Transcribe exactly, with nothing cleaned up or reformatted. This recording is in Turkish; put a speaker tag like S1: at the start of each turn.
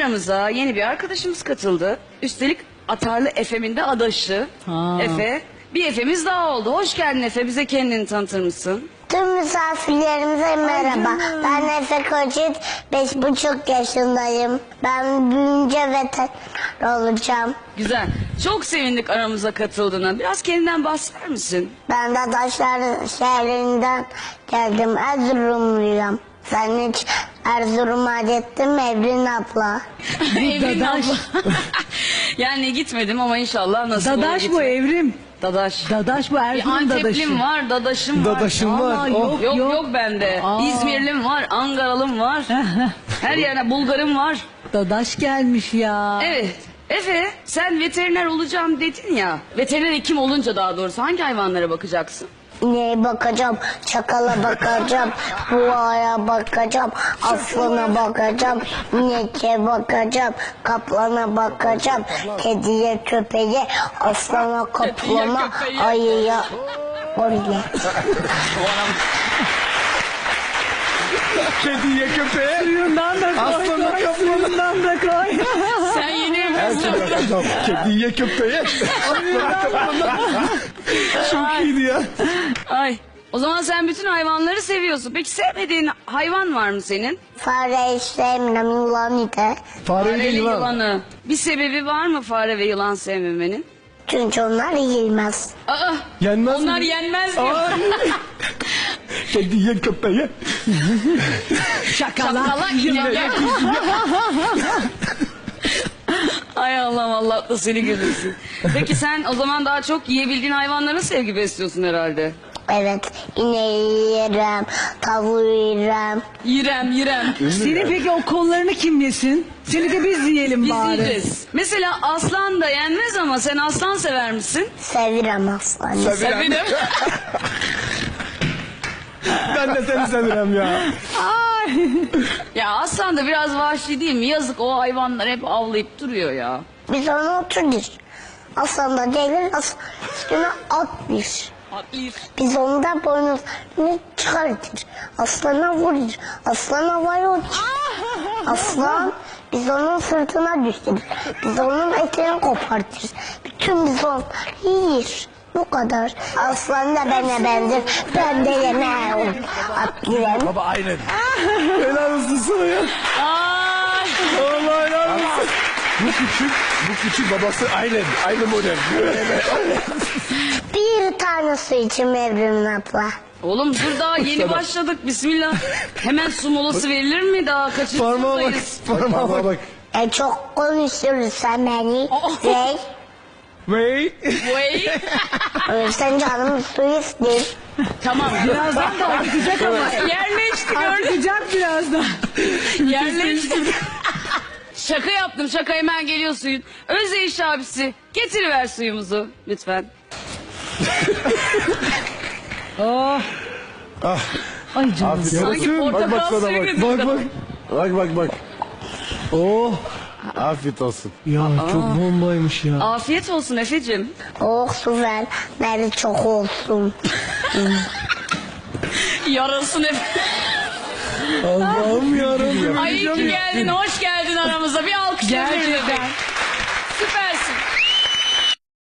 S1: aramıza yeni bir arkadaşımız katıldı. Üstelik Atarlı Efe'min de adaşı.
S2: Ha.
S1: Efe. Bir Efe'miz daha oldu. Hoş geldin Efe. Bize kendini tanıtır mısın?
S3: Tüm misafirlerimize merhaba. Ben Efe Koçit, beş buçuk yaşındayım. Ben büyüyünce veteriner olacağım.
S1: Güzel. Çok sevindik aramıza katıldığına. Biraz kendinden bahseder misin?
S3: Ben de Taşlar şehrinden geldim. Erzurumluyum. Sen hiç Erzurum'a gittin mi Evrin abla?
S1: Evrim
S2: Dadaş.
S1: abla. Yani gitmedim ama inşallah nasıl olur
S2: Dadaş bu
S1: gitmek.
S2: Evrim.
S1: Dadaş.
S2: Dadaş bu
S1: Bir
S2: Erzurum dadaşı.
S1: Anteplim var, dadaşım var.
S4: Dadaşım var.
S2: Aa,
S4: Oh.
S2: yok
S1: Yok
S2: yok.
S1: yok bende.
S2: Aa.
S1: İzmirlim var, Ankaralım var. Her yerine Bulgarım var.
S2: Dadaş gelmiş ya.
S1: Evet. Efe sen veteriner olacağım dedin ya. Veteriner hekim olunca daha doğrusu hangi hayvanlara bakacaksın?
S3: İneğe bakacağım, çakala bakacağım, buğaya bakacağım, aslana bakacağım, ineke bakacağım, kaplana bakacağım, kediye, köpeğe, aslana, kaplana,
S1: köpeğe.
S3: ayıya, oraya.
S4: Kediye köpeğe.
S2: Suyundan da koy.
S4: Aslana
S2: koy,
S4: kaplana.
S2: Suyundan da koy.
S1: Sen yeni
S4: Her şey bakacağım. Kediye köpeğe. Çok iyiydi ya.
S1: Ay. O zaman sen bütün hayvanları seviyorsun. Peki sevmediğin hayvan var mı senin?
S3: Fare sevmem, yılan ite.
S4: Fareyle
S1: Fareli
S4: yılan.
S1: yılanı. Bir sebebi var mı fare ve yılan sevmemenin?
S3: Çünkü onlar yiyilmez.
S1: Aa,
S4: Yenmez
S1: onlar
S4: mi?
S1: yenmez diyor.
S4: Ay. Kediye köpeğe.
S2: Şakala.
S1: Çakala ineke. Ay Allah'ım Allah da seni güldürsün. Peki sen o zaman daha çok yiyebildiğin hayvanlara sevgi besliyorsun herhalde.
S3: Evet, ineği yerim, tavuğu yerim.
S1: Yirem yirem.
S2: Senin peki o kollarını kim yesin? Seni de biz yiyelim
S1: Biz
S2: bari.
S1: yiyeceğiz. Mesela aslan da yenmez ama sen aslan sever misin?
S3: Sevirim aslanı.
S4: Sevirim.
S1: Severim.
S4: Ben de seni seviyorum ya.
S2: Ay.
S1: Ya aslan da biraz vahşi değil mi? Yazık o hayvanlar hep avlayıp duruyor ya.
S3: Biz onu otururuz. Aslan da gelir, aslan üstüne atlıyor.
S1: Atlayır.
S3: Biz onu da boynuzunu çıkartır. Aslana vurur. Aslan havaya uçur. Aslan biz onun sırtına düşürür. Biz onun etini kopartırız. Bütün biz onu yiyir. Bu kadar. Aslan da bana benzer. Ben de yemeğim. Atlayayım.
S4: Baba aynen. Helal olsun sana ya.
S1: Ay.
S4: Allah helal olsun. Bu küçük, bu küçük babası aynen. Aynı model.
S3: Bir tane su içim Evrim abla.
S1: Oğlum dur daha yeni başladık. Bismillah. Hemen su molası verilir mi daha? Kaçıncı
S4: Parmağa bak.
S1: sınıftayız?
S4: Parmağa bak.
S3: E çok konuşursan beni.
S1: Oh.
S3: Ve
S4: Vey.
S1: Vay.
S3: ölürsen canım su ister.
S1: Tamam.
S2: Birazdan da akıtacak ama.
S1: Yerleşti gördün.
S2: Akıtacak birazdan.
S1: Yerleşti. Şaka yaptım şaka hemen geliyor suyun. Özdeyiş abisi getiriver suyumuzu lütfen.
S2: Oh.
S4: Ah.
S2: Ay canım.
S4: Afiyet
S1: Sanki
S4: olsun. Bak bak
S1: portakal
S4: sana
S1: suyu
S4: bak.
S1: gibi.
S4: Bak bak. Bak bak bak. Oh. Afiyet olsun.
S2: Ya çok bombaymış ya.
S1: Afiyet olsun Efe'cim.
S3: Oh su ver. Beni çok olsun.
S1: Yarasın Efe.
S4: Allah'ım yarabbim.
S1: Ay iyi ki geldin hoş geldin aramıza bir alkış
S2: Gerçekten.
S1: verelim. Süper.